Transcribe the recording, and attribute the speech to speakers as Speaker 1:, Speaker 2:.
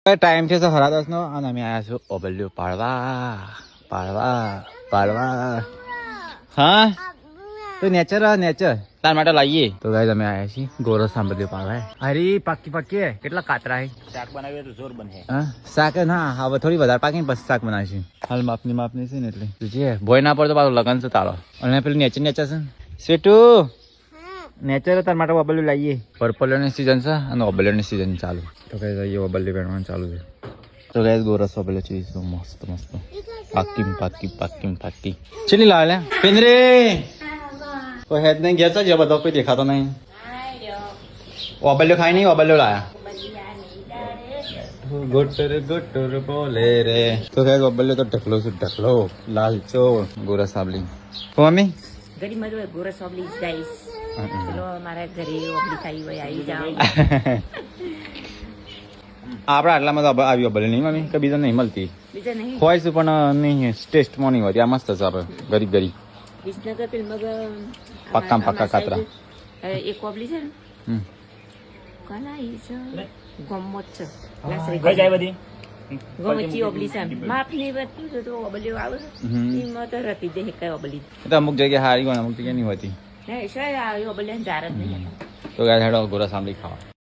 Speaker 1: time છે 10:30 નો અને અમે આયા છું ઓબલ્યું પાડવા હા તો નેચર તાર માટે લાવીએ તો ગાઈસ અમે આયા છીએ ગોરસ સાંભળ્યું પાડવા અરે પાકી કેટલા કાતરા હે
Speaker 2: શાક બનાવીએ તો જોર બને
Speaker 1: હા શાક ના હવે થોડી વધારે પાકીને પછી શાક બનાવીશું હાલ માપની છે ને એટલે તુજે ભોય ના પડતો પાછો લગન છે તારો અને પેલું નેચર છે સ્વીટુ નેચર તાર માટે ઓબલ્યું લાવીએ પર્પલની સીઝન છે અને ઓબલ્યુની સીઝન ચાલુ તો ગાઈસ અહીંયા ઓબલ્યું પહેરવાનું ચાલુ છે તો ગાઈસ ગોરસ ઓબલ્યું છે મસ્ત પાકી ચલી લાવે લે પિંદરે તો હેડ નહીં ગયા છે બધો કોઈ દેખાતો નહીં ઓબલ્યું ખાઈ નહીં ઓબલ્યું લાયા ગોટર બોલે રે તો ગાઈસ ઓબલ્યું તો ઢકલો લાલ ચો ગોરસ સાબલી મમ્મી
Speaker 3: ઘડી મજો ગોરસ ઓબલી ગાઈસ ચલો મારા ઘરે ઓબલી ખાઈ હોય આવી જાઓ
Speaker 1: આપણા આટલામાં તો આવી ઓબલી નહીં મમ્મી કે બીજા નહીં મળતી
Speaker 3: બીજા નહીં
Speaker 1: હોય છે પણ નહીં ટેસ્ટમાં નહીં હોતી આ મસ્ત છે આપણે ગરીબ
Speaker 3: વિસનગર ફિલ્મ
Speaker 1: પક્કા કાતરા
Speaker 3: એક ઓબલી છે ને કના ઈ છે ગમત છે
Speaker 2: કઈ જાય બધી
Speaker 3: ગમચી ઓબલી છે માપની બધું તો ઓબલીઓ આવે એમાં તો રતી દે કઈ ઓબલી
Speaker 1: તો અમુક જગ્યાએ હારી હોય અમુક જગ્યાએ નહીં હોતી
Speaker 3: નહીં શાયદ આ ઓબલી જાર જ નહીં
Speaker 1: તો ગાય હેડો ગોરસ આંબલી ખાવા